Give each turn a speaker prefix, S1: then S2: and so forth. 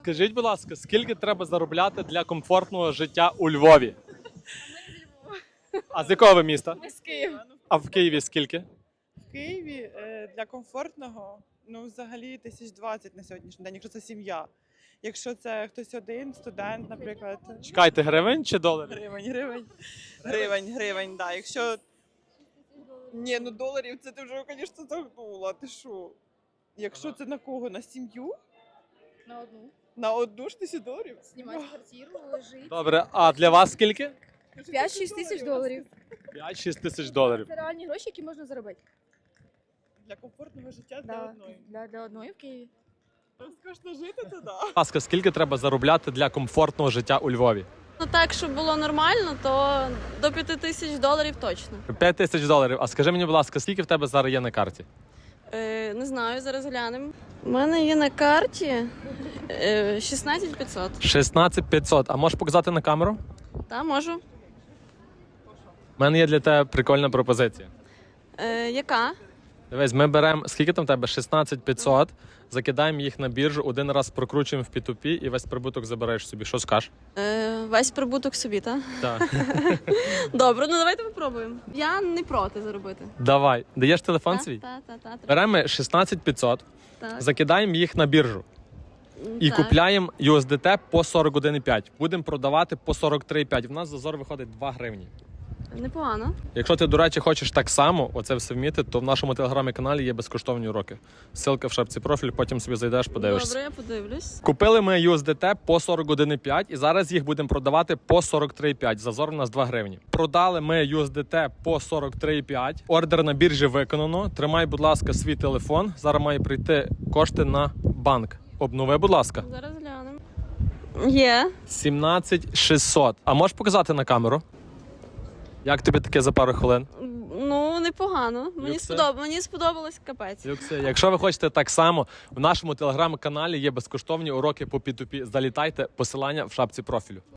S1: Скажіть, будь ласка, скільки треба заробляти для комфортного життя у Львові? А з якого ви міста?
S2: Ми з Києва.
S1: А в Києві скільки?
S3: В Києві для комфортного, взагалі 1020 на сьогоднішній день, якщо це сім'я. Якщо це хтось один, студент, наприклад.
S1: Чекайте, гривень чи доларів?
S3: Гривень, да. Якщо... Ні, доларів, це ти вже, звісно, загнула, ти що? Якщо це на кого? На сім'ю?
S2: На одну.
S3: На одну ж $1000?
S2: Знімати квартиру, жити.
S1: Добре, а для вас скільки?
S2: 5-6 тисяч доларів.
S1: 5-6 тисяч доларів.
S2: Це реальні гроші, які можна заробити.
S3: Для комфортного життя для одної.
S2: Для одної в Києві.
S3: Розкошно жити туди.
S1: Будь ласка, скільки треба заробляти для комфортного життя у Львові?
S4: Ну так, щоб було нормально, то до $5000 точно.
S1: 5 тисяч доларів. А скажи мені, будь ласка, скільки в тебе зараз є на карті?
S4: Не знаю, зараз глянемо. У мене є на карті 16500.
S1: 16 500. А можеш показати на камеру?
S4: Та, можу.
S1: У мене є для тебе прикольна пропозиція.
S4: Яка?
S1: Дивись, ми беремо, скільки там в тебе? 16 500, закидаємо їх на біржу, один раз прокручуємо в P2P і весь прибуток забираєш собі. Що скажеш?
S4: Весь прибуток собі, так?
S1: Так.
S4: Добре, ну давайте попробуємо. Я не проти заробити.
S1: Давай. Даєш телефон свій?
S4: Так.
S1: Беремо 16 500,
S4: Так.
S1: закидаємо їх на біржу і
S4: Так.
S1: купляємо USDT по 41,5. Будемо продавати по 43,5. В нас зазор виходить 2 гривні.
S4: Непогано.
S1: Якщо ти, до речі, хочеш так само оце все вміти, то в нашому телеграм-каналі є безкоштовні уроки. Ссылка в шапці профілю, потім собі зайдеш, подивишся.
S4: Добре, я подивлюсь.
S1: Купили ми USDT по 41,5 і зараз їх будемо продавати по 43,5. Зазор у нас 2 гривні. Продали ми USDT по 43,5. Ордер на біржі виконано. Тримай, будь ласка, свій телефон. Зараз має прийти кошти на банк. Обнови, будь ласка.
S4: Зараз глянемо. Є.
S1: 17 600. А можеш показати на камеру? Як тобі таке за пару хвилин?
S4: Ну, непогано.
S1: Люксе?
S4: Мені сподобалось капець.
S1: Якщо ви хочете так само, в нашому телеграм-каналі є безкоштовні уроки по P2P. Залітайте, посилання в шапці профілю.